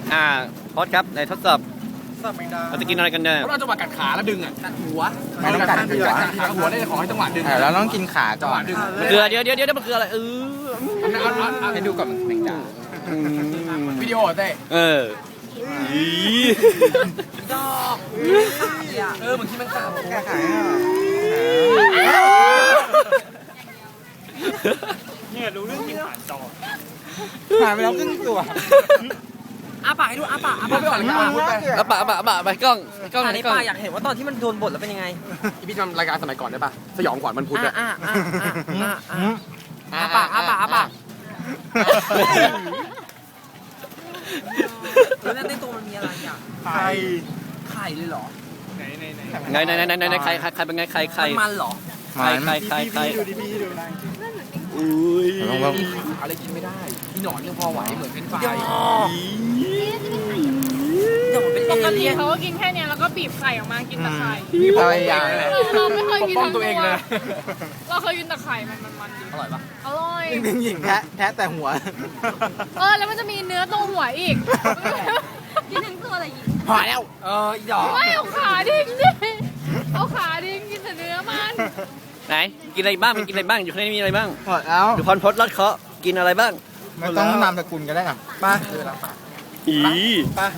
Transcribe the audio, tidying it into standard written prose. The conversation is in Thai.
พอดครับในทดสอบสับแมงดาเราจะกินอะไรกันเนี่ยเราจังหวะกัดขาแล้วดึงอ่ะกัดหัวไม่ต้องกัดหัวกัดหัวได้ขอให้จังหวะดึงเราต้องกินขาก่อนดึงเกลือเดี๋ยวมันคืออะไรให้ดูก่อนแมงดาวิดีโอเต้ดอกเหมือนที่มันกาบแก้ไขอ่ะเนี่ยรู้เรื่องกินผ่านจอหายไปแล้วครึ่งตัวอาปากให้ดูอาปากพูดไปก่อนเลยอ่ะพูดไปเอาปะไปกล้องอันไหนนี้กล้องป้าอยากเห็นว่าตอนที่มันโดนบทแล้วเป็นยังไงอีพี่ทำรายการสมัยก่อนได้ป่ะสยองขวัญมันพุธอ่ะอาปากแล้วในตัวมันมีอะไรอ่ะไข่ไข่เลยเหรอไหนใครเป็นไงใครมันเหรอใครดูดิพี่ดูอุ้ยอะไรกินไม่ได้พี่หนอนยังพอไหวเหมือนเป็นไฟเดี๋ยวมันเป็นปกเอติเลี่ยนเขาก็กินแค่เนี้ยแล้วก็บีบไข่ออกมากินแต่ไข่อะไรอย่างเราไม่เคยกินป้องทั้งตัวเองเลยเราเคยกินแต่ไข่มันดีอร่อยปะอร่อยหนึ่งหญิงแทะแต่หัวแล้วมันจะมีเนื้อตรงหัวอีกกินทั้งตัวอะไรอีกพอแล้วอีดอกไม่เอาขาดิ้งดิเอาขาดิ้งกินแต่เนื้อมันไหนกินอะไรบ้างกินอะไรบ้างอยู่ข้างในมีอะไรบ้างหมดแล้วดูพรพดลัดเคาะกินอะไรบ้างไม่ต้องนามสกุลก็ได้อ่ะมาอี